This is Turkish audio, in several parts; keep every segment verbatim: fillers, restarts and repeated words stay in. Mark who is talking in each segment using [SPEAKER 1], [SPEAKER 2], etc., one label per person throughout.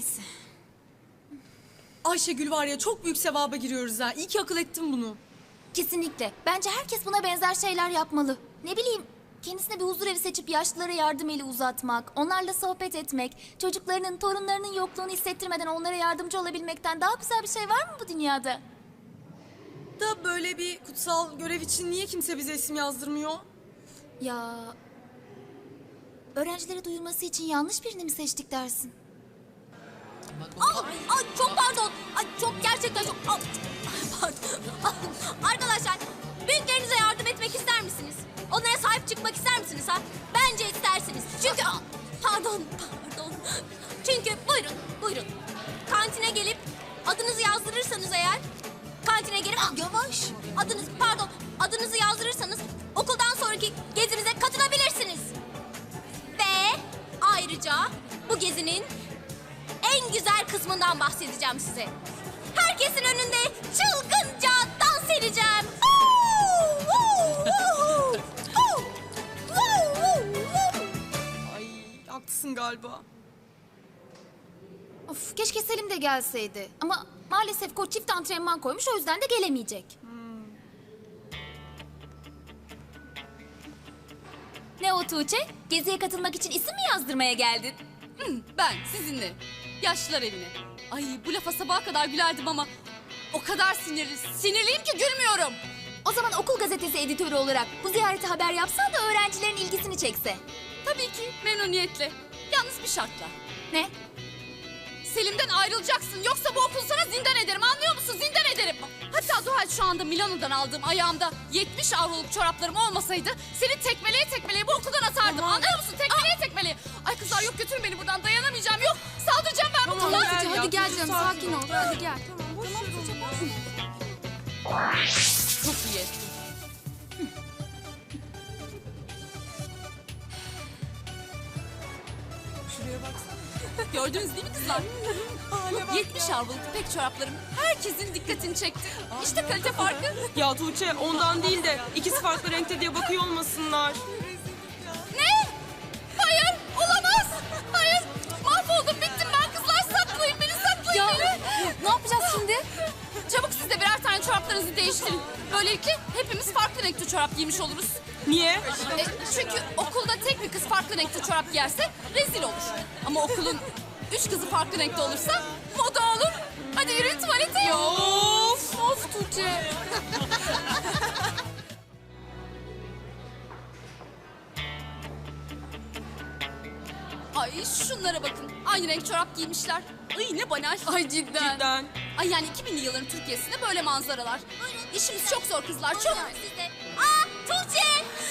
[SPEAKER 1] Neyse.
[SPEAKER 2] Ayşegül var ya, çok büyük sevaba giriyoruz ha. İyi ki akıl ettin bunu.
[SPEAKER 1] Kesinlikle. Bence herkes buna benzer şeyler yapmalı. Ne bileyim, kendisine bir huzur evi seçip yaşlılara yardım eli uzatmak, onlarla sohbet etmek, çocuklarının, torunlarının yokluğunu hissettirmeden onlara yardımcı olabilmekten daha güzel bir şey var mı bu dünyada?
[SPEAKER 2] Da böyle bir kutsal görev için niye kimse bize isim yazdırmıyor?
[SPEAKER 1] Ya... Öğrencilere duyulması için yanlış birini mi seçtik dersin? Aa, ay çok pardon. Ay çok gerçekten çok... Aa, pardon. Arkadaşlar, büyüklerinize yardım etmek ister misiniz? Onlara sahip çıkmak ister misiniz ha? Bence istersiniz. Çünkü... Aa, pardon, pardon. Çünkü buyurun, buyurun. Kantine gelip adınızı yazdırırsanız eğer... Kantine gelip... Aa, yavaş. Adınız, pardon. Adınızı yazdırırsanız okuldan sonraki gezinize katılabilirsiniz. Ve ayrıca bu gezinin en güzel kısmından bahsedeceğim size. Herkesin önünde çılgınca dans edeceğim.
[SPEAKER 2] Ay, haklısın galiba.
[SPEAKER 1] Of, keşke Selim de gelseydi. Ama maalesef koç çift antrenman koymuş, o yüzden de gelemeyecek. Hmm. Ne o Tuğçe? Geziye katılmak için isim mi yazdırmaya geldin?
[SPEAKER 3] Ben sizinle. Yaşlılar evine. Ay bu lafa sabaha kadar gülerdim ama o kadar sinirli, sinirliyim ki gülmüyorum.
[SPEAKER 1] O zaman okul gazetesi editörü olarak bu ziyarete haber yapsan da öğrencilerin ilgisini çekse.
[SPEAKER 3] Tabii ki memnuniyetle. Yalnız bir şartla.
[SPEAKER 1] Ne?
[SPEAKER 3] Selim'den ayrılacaksın yoksa bu okulu sana zindan ederim, anlıyor musun? Zindan ederim. Hatta Zuhal şu anda Milano'dan aldığım ayağımda yetmiş avroluk çoraplarım olmasaydı seni tekmeleye tekmeleye bu okuldan atardım. Anlıyor musun? Tekmeleye tekmeleye. Ay kızlar yok, götürün beni buradan, dayanamayacağım, yok. Saldıracağım ben bu
[SPEAKER 2] Tamam,
[SPEAKER 3] kıza.
[SPEAKER 2] gel ya,
[SPEAKER 1] Hadi gel
[SPEAKER 2] dur,
[SPEAKER 1] canım,
[SPEAKER 2] sakin
[SPEAKER 1] sakin
[SPEAKER 2] ol.
[SPEAKER 1] ol. Hadi gel.
[SPEAKER 2] Tamam, boş ver onu.
[SPEAKER 3] Çok iyi ettin.
[SPEAKER 2] Şuraya baksana.
[SPEAKER 3] Gördünüz değil mi kızlar? yetmiş avroluk ipek çoraplarım herkesin dikkatini çekti. İşte kalite farkı.
[SPEAKER 2] Ya Tuğçe, ondan değil de ikisi farklı renkte diye bakıyor olmasınlar.
[SPEAKER 3] Ne? Hayır, olamaz. Hayır, mahvoldum, bittim ben kızlar. Saklayın beni, saklayın
[SPEAKER 1] Ya
[SPEAKER 3] beni.
[SPEAKER 1] ne yapacağız şimdi?
[SPEAKER 3] Çabuk siz de birer tane çoraplarınızı değiştirin. Böylelikle hepimiz farklı renkte çorap giymiş oluruz.
[SPEAKER 2] Niye?
[SPEAKER 3] E, çünkü okulda tek bir kız farklı renkte çorap giyerse rezil olur. Ama okulun üç kızı farklı renkte olursa moda olur. Hadi yürüyün tuvalete.
[SPEAKER 2] Of!
[SPEAKER 3] Of Tuğçe. Ay şunlara bakın. Aynı renk çorap giymişler. Ay ne banal. Ay cidden.
[SPEAKER 2] Cidden.
[SPEAKER 3] Ay yani iki binli yılların Türkiye'sinde böyle manzaralar. İşimiz çok zor kızlar, çok.
[SPEAKER 1] Aa, Tuğçe!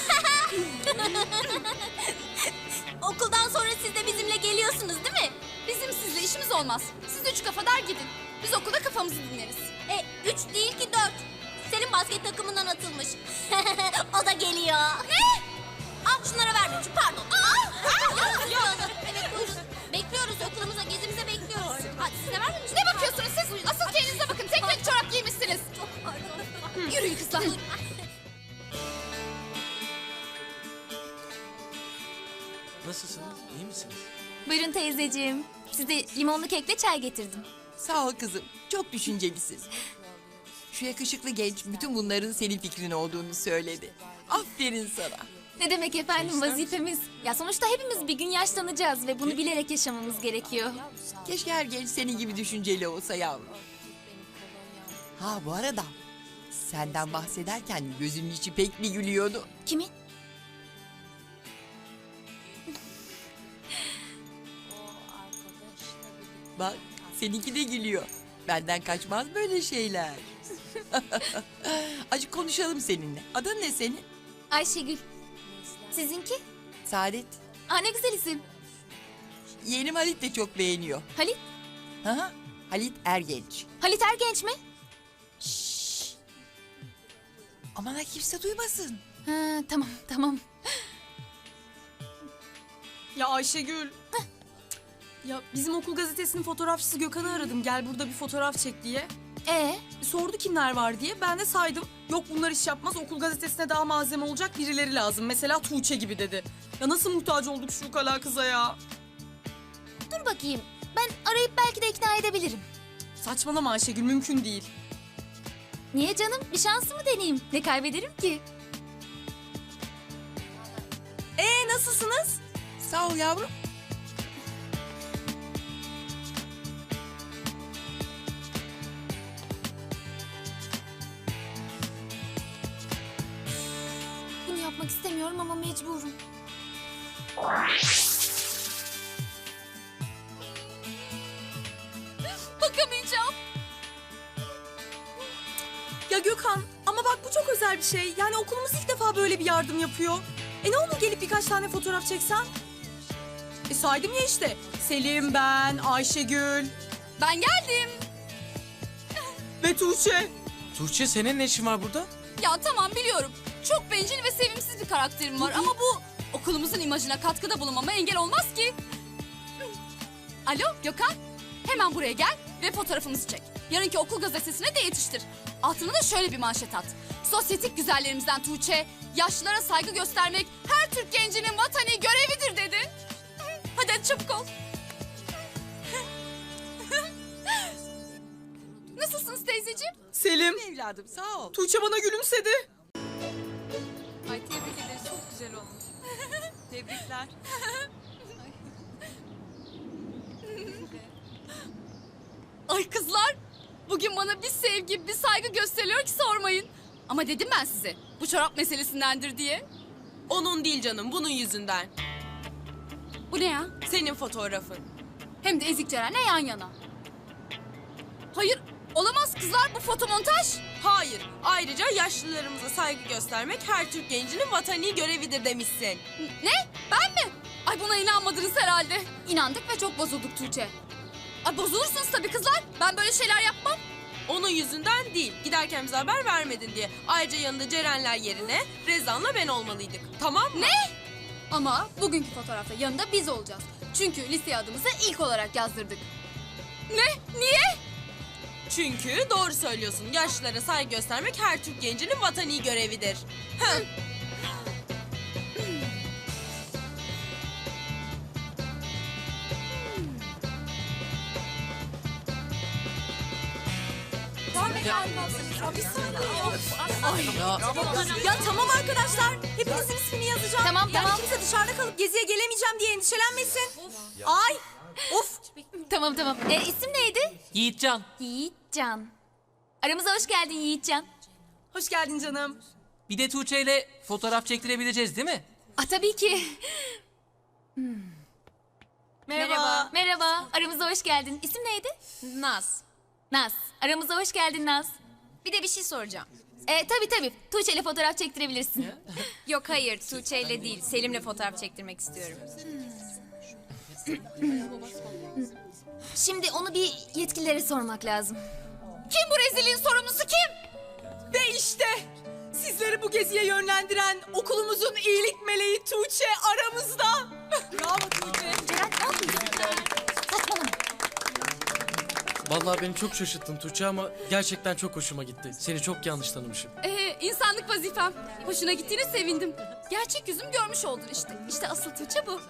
[SPEAKER 1] Okuldan sonra siz de bizimle geliyorsunuz değil mi?
[SPEAKER 3] Bizim sizle işimiz olmaz. Siz üç kafadar gidin. Biz okulda kafamızı dinleriz.
[SPEAKER 1] E, üç değil ki dört. Senin basket takımından atılmış. O da geliyor. Ne? Al şunlara ver. Şu, pardon. Aa! Evet buyurun. Bekliyoruz okulumuza, gezimize bekliyoruz. Hadi size vermemiş.
[SPEAKER 3] Ne bakıyorsunuz siz? Asıl kendinize bakın. Tek renk çorap giymişsiniz.
[SPEAKER 1] Çok pardon.
[SPEAKER 3] Yürüyün kızlar.
[SPEAKER 4] Nasılsınız? İyi misiniz?
[SPEAKER 1] Buyurun teyzeciğim. Size limonlu kekle çay getirdim.
[SPEAKER 5] Sağ ol kızım. Çok düşüncelisin. Şu yakışıklı genç bütün bunların senin fikrin olduğunu söyledi. Aferin sana.
[SPEAKER 1] Ne demek efendim, vazifemiz. Ya sonuçta hepimiz bir gün yaşlanacağız ve bunu bilerek yaşamamız gerekiyor.
[SPEAKER 5] Keşke her genç senin gibi düşünceli olsa yavrum. Ha bu arada senden bahsederken gözünün içi pek bir gülüyordu.
[SPEAKER 1] Kimin?
[SPEAKER 5] Bak seninki de gülüyor. Benden kaçmaz böyle şeyler. Acık konuşalım seninle. Adın ne senin?
[SPEAKER 1] Ayşegül. Sizinki?
[SPEAKER 5] Saadet.
[SPEAKER 1] Aa, ne güzel isim.
[SPEAKER 5] Yeğenim Halit de çok beğeniyor.
[SPEAKER 1] Halit.
[SPEAKER 5] Hı hı. Halit Ergenç.
[SPEAKER 1] Halit Ergenç mi?
[SPEAKER 5] Aman ha kimse duymasın.
[SPEAKER 1] Ha, tamam tamam.
[SPEAKER 2] Ya Ayşegül. Ya bizim okul gazetesinin fotoğrafçısı Gökhan'ı aradım. Gel burada bir fotoğraf çek diye.
[SPEAKER 1] Ee,
[SPEAKER 2] Sordu kimler var diye. Ben de saydım. Yok bunlar iş yapmaz. Okul gazetesine daha malzeme olacak birileri lazım. Mesela Tuğçe gibi dedi. Ya nasıl muhtaç olduk şu ukala kıza ya?
[SPEAKER 1] dur bakayım. Ben arayıp belki de ikna edebilirim.
[SPEAKER 2] Saçmalama Ayşegül, mümkün değil.
[SPEAKER 1] Niye canım? Bir şansımı deneyeyim. Ne kaybederim ki?
[SPEAKER 2] Ee nasılsınız?
[SPEAKER 5] Sağ ol yavrum.
[SPEAKER 1] Bunu yapmak istemiyorum ama mecburum.
[SPEAKER 3] Bakamayacağım.
[SPEAKER 2] Ya Gökhan, ama bak bu çok özel bir şey. Yani okulumuz ilk defa böyle bir yardım yapıyor. E ne olur gelip birkaç tane fotoğraf çeksen? E saydım ya işte. Selim, ben, Ayşegül
[SPEAKER 3] Ben geldim.
[SPEAKER 2] ve Tuğçe.
[SPEAKER 4] Tuğçe senin ne işin var burada?
[SPEAKER 3] Ya tamam biliyorum. Çok bencil ve sevimsiz bir karakterim var ama bu okulumuzun imajına katkıda bulunmama engel olmaz ki. Alo Gökhan, hemen buraya gel ve fotoğrafımızı çek. Yarınki okul gazetesine de yetiştir. Altına da şöyle bir manşet at. Sosyetik güzellerimizden Tuğçe, yaşlılara saygı göstermek her Türk gencinin vatani görevidir dedi. Hadi hadi çabuk ol. Nasılsınız teyzeciğim?
[SPEAKER 2] Selim,
[SPEAKER 5] Evladım sağ ol.
[SPEAKER 2] Tuğçe bana gülümsedi.
[SPEAKER 3] Ay tebrik ederiz, çok güzel olmuş.
[SPEAKER 2] Tebrikler.
[SPEAKER 3] Ay kızlar, bugün bana bir sevgi, bir saygı gösteriyor ki sormayın. Ama dedim ben size, bu çorap meselesindendir diye.
[SPEAKER 2] Onun değil canım, bunun yüzünden.
[SPEAKER 3] Bu ne ya?
[SPEAKER 2] Senin fotoğrafın.
[SPEAKER 3] Hem de Ezik Ceren'le yan yana. Hayır, olamaz kızlar, bu fotomontaj.
[SPEAKER 6] Hayır. Ayrıca yaşlılarımıza saygı göstermek her Türk gencinin vatani görevidir demişsin.
[SPEAKER 3] Ne? Ben mi? Ay buna inanmadınız herhalde. İnandık ve çok bozulduk Tuğçe. Ay bozulursunuz tabii kızlar. Ben böyle şeyler yapmam.
[SPEAKER 6] Onun yüzünden değil. Giderken bize haber vermedin diye. Ayrıca yanında Cerenler yerine Rezan'la ben olmalıydık. Tamam mı?
[SPEAKER 3] Ne? Ama bugünkü fotoğrafta yanında biz olacağız. Çünkü listeye adımızı ilk olarak yazdırdık. Ne? Niye?
[SPEAKER 6] Çünkü doğru söylüyorsun. Yaşlılara saygı göstermek her Türk gencinin vatani görevidir. Heh.
[SPEAKER 2] Ya tamam arkadaşlar, hepinizin ismini yazacağım.
[SPEAKER 1] Tamam,
[SPEAKER 2] yani
[SPEAKER 1] tamam.
[SPEAKER 2] kimse dışarıda kalıp geziye gelemeyeceğim diye endişelenmesin. Ay, of.
[SPEAKER 1] Tamam tamam. E, isim neydi?
[SPEAKER 4] Yiğitcan.
[SPEAKER 1] Yiğitcan. Aramıza hoş geldin Yiğitcan.
[SPEAKER 2] Hoş geldin canım.
[SPEAKER 4] Bir de Tuğçe ile fotoğraf çektirebileceğiz değil mi?
[SPEAKER 1] Ah tabii ki.
[SPEAKER 2] Merhaba.
[SPEAKER 1] Merhaba. Aramıza hoş geldin. İsim neydi?
[SPEAKER 7] Naz.
[SPEAKER 1] Naz. Aramıza hoş geldin Naz.
[SPEAKER 7] Bir de bir şey soracağım.
[SPEAKER 1] E, tabii tabii. Tuğçe ile fotoğraf çektirebilirsin.
[SPEAKER 7] Yok hayır Tuğçe ile değil Selim'le fotoğraf çektirmek istiyorum.
[SPEAKER 1] Şimdi onu bir yetkililere sormak lazım.
[SPEAKER 3] Kim bu rezilliğin sorumlusu kim?
[SPEAKER 2] Ve işte sizleri bu geziye yönlendiren okulumuzun iyilik meleği Tuğçe aramızda. Bravo Tuğçe.
[SPEAKER 1] Ceren ne yapıyorsun? Saçmalama.
[SPEAKER 4] Vallahi beni çok şaşırttın Tuğçe ama gerçekten çok hoşuma gitti. Seni çok yanlış tanımışım.
[SPEAKER 3] Ee, insanlık vazifem. Hoşuna gittiğine sevindim. Gerçek yüzümü görmüş oldun işte. İşte asıl Tuğçe bu.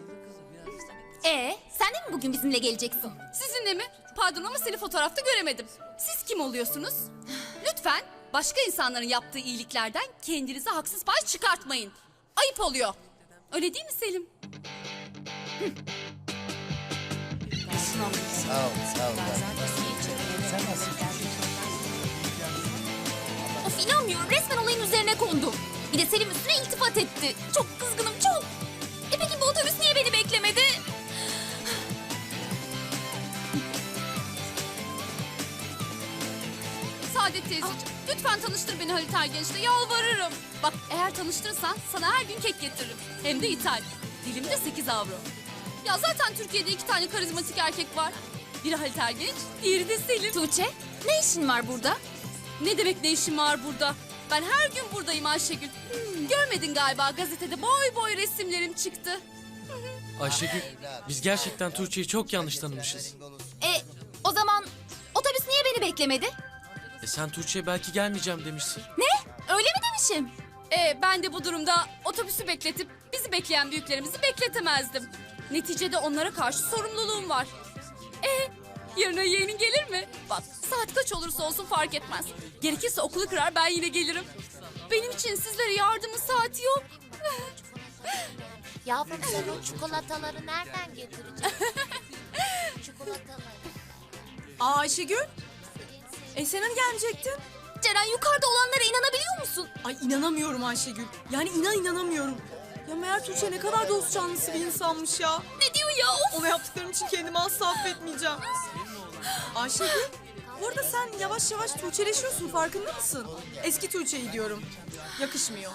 [SPEAKER 1] E, sen de mi bugün bizimle geleceksin?
[SPEAKER 3] Sizinle mi? Pardon ama seni fotoğrafta göremedim. Siz kim oluyorsunuz? Lütfen başka insanların yaptığı iyiliklerden kendinize haksız pay çıkartmayın. Ayıp oluyor. Öyle değil mi Selim?
[SPEAKER 1] Of inanmıyorum. Resmen olayın üzerine kondu. Bir de Selim üstüne iltifat etti. Çok kızgınım çok. E peki bu otobüs niye beni beklemedi?
[SPEAKER 3] Saadet teyzeciğim, lütfen tanıştır beni Halit Ergenç'le. Yalvarırım. Bak eğer tanıştırırsan sana her gün kek getiririm. Hem de ithal. Dilimde sekiz avro. Ya zaten Türkiye'de iki tane karizmatik erkek var. Biri Halit Ergenç, diğeri de Selim.
[SPEAKER 1] Tuğçe, ne işin var burada?
[SPEAKER 3] Ne demek ne işim var burada? Ben her gün buradayım Ayşegül. Hmm, görmedin galiba gazetede boy boy resimlerim çıktı.
[SPEAKER 4] Ayşegül, biz gerçekten Tuğçe'yi çok yanlış tanımışız.
[SPEAKER 1] E, o zaman otobüs niye beni beklemedi?
[SPEAKER 4] E sen Tuğçe'ye belki gelmeyeceğim demişsin.
[SPEAKER 1] Ne? Öyle mi demişim?
[SPEAKER 3] Ee, ben de bu durumda otobüsü bekletip bizi bekleyen büyüklerimizi bekletemezdim. Neticede onlara karşı sorumluluğum var. Yarına yeğenin gelir mi? Bak saat kaç olursa olsun fark etmez. Gerekirse okulu kırar ben yine gelirim. Benim için sizlere yardımın saati yok.
[SPEAKER 1] Yavrum sen o çikolataları nereden getireceksin? Çikolataları.
[SPEAKER 2] Aa Ayşegül. E sen hani gelmeyecektin?
[SPEAKER 1] Ceren yukarıda olanlara inanabiliyor musun?
[SPEAKER 2] Ay inanamıyorum Ayşegül. Yani inan inanamıyorum. Ya meğer Tuğçe ne kadar dost canlısı bir insanmış ya.
[SPEAKER 1] Ne diyor ya? Of.
[SPEAKER 2] Ona yaptıklarım için kendimi asla affetmeyeceğim. Ayşegül, bu arada sen yavaş yavaş Tuğçeleşiyorsun, farkında mısın? Eski Tuğçe'yi diyorum. Yakışmıyor.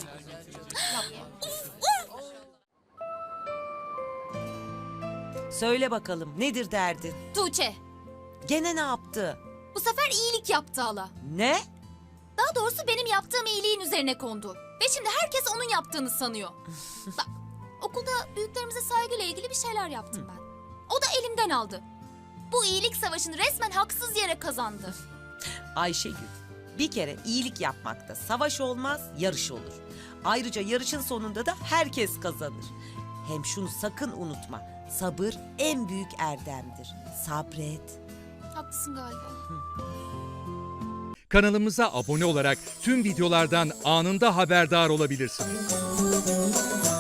[SPEAKER 8] Söyle bakalım nedir derdin?
[SPEAKER 1] Tuğçe,
[SPEAKER 8] Gene ne yaptı?
[SPEAKER 1] bu sefer iyilik yaptı hala.
[SPEAKER 8] Ne?
[SPEAKER 1] Daha doğrusu benim yaptığım iyiliğin üzerine kondu. Ve şimdi herkes onun yaptığını sanıyor. Bak, okulda büyüklerimize saygıyla ilgili bir şeyler yaptım ben. O da elimden aldı. Bu iyilik savaşını resmen haksız yere kazandı.
[SPEAKER 8] Ayşegül, bir kere iyilik yapmakta savaş olmaz, yarış olur. Ayrıca yarışın sonunda da herkes kazanır. Hem şunu sakın unutma, sabır en büyük erdemdir. Sabret.
[SPEAKER 1] Haklısın galiba.
[SPEAKER 9] Kanalımıza abone olarak tüm videolardan anında haberdar olabilirsiniz.